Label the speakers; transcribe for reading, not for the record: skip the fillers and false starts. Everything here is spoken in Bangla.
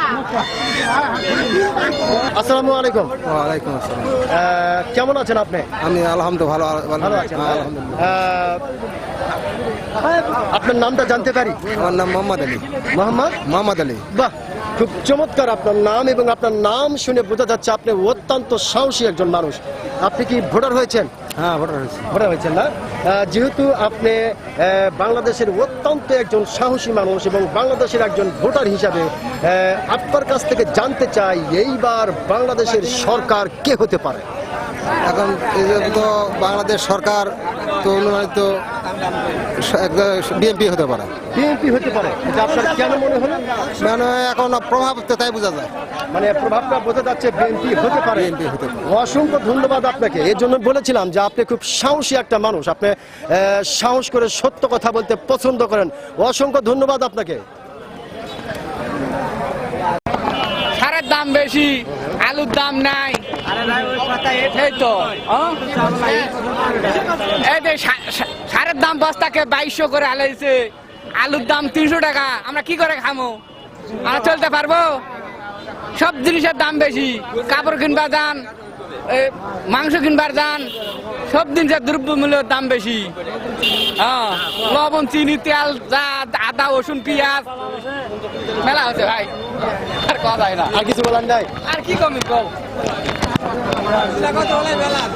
Speaker 1: আসসালামু আলাইকুম।
Speaker 2: ওয়ালাইকুম আসসালাম।
Speaker 1: কেমন আছেন আপনি?
Speaker 2: আমি আলহামদুলিল্লাহ
Speaker 1: ভালো আছেন? আপনার নামটা জানতে পারি?
Speaker 2: আমার নাম মোহাম্মদ আলী। মোহাম্মদ আলী।
Speaker 1: বাহ, খুব চমৎকার আপনার নাম, এবং আপনার নাম শুনে বোঝা যাচ্ছে আপনি অত্যন্ত সাহসী একজন মানুষ। আপনি কি ভোটার হয়েছেন?
Speaker 2: হ্যাঁ, ভোটার হয়েছে।
Speaker 1: ভোটার হয়েছেন না? যেহেতু আপনি বাংলাদেশের অত্যন্ত একজন সাহসী মানুষ এবং বাংলাদেশের একজন ভোটার হিসাবে আপনার কাছ থেকে জানতে চাই, এইবার বাংলাদেশের সরকার কে হতে পারে?
Speaker 2: এখন এই যে তো বাংলাদেশ সরকার তো অনুমানিত বিএনপি হতে পারে।
Speaker 1: বিএনপি হতে পারে, এটা আপনার কেন মনে হলো?
Speaker 2: মানে এখন প্রভাব তো তাই বোঝা যায়।
Speaker 1: মানে প্রভাবটা বোঝা যাচ্ছে বিএনপি হতে পারে।
Speaker 2: বিএনপি হতে পারে।
Speaker 1: অসংখ্য ধন্যবাদ আপনাকে। এর জন্য বলেছিলাম যে আপনি খুব সাহসী একটা মানুষ, আপনি সাহস করে সত্য কথা বলতে পছন্দ করেন। অসংখ্য ধন্যবাদ আপনাকে।
Speaker 3: সারের দাম বেশি, আলুর দাম নাই। এই তো এই যে সারের দাম বস্তাকে 2200 করে আলাইছে, আলুর দাম 300 টাকা। আমরা কি করে খামো? আমরা চলতে পারবো? সব জিনিসের দাম বেশি। কাপড় কিনবার যান, মাংস কিনবার যান, সব জিনিসের দ্রব্যমূল্যের দাম বেশি। হ্যাঁ, লবণ, চিনি, তেল, আদা, রসুন, পেঁয়াজ মেলা হচ্ছে ভাই। আর কথা হয় না।
Speaker 1: আর কিছু বলার নাই?
Speaker 3: আর কি কমি কম।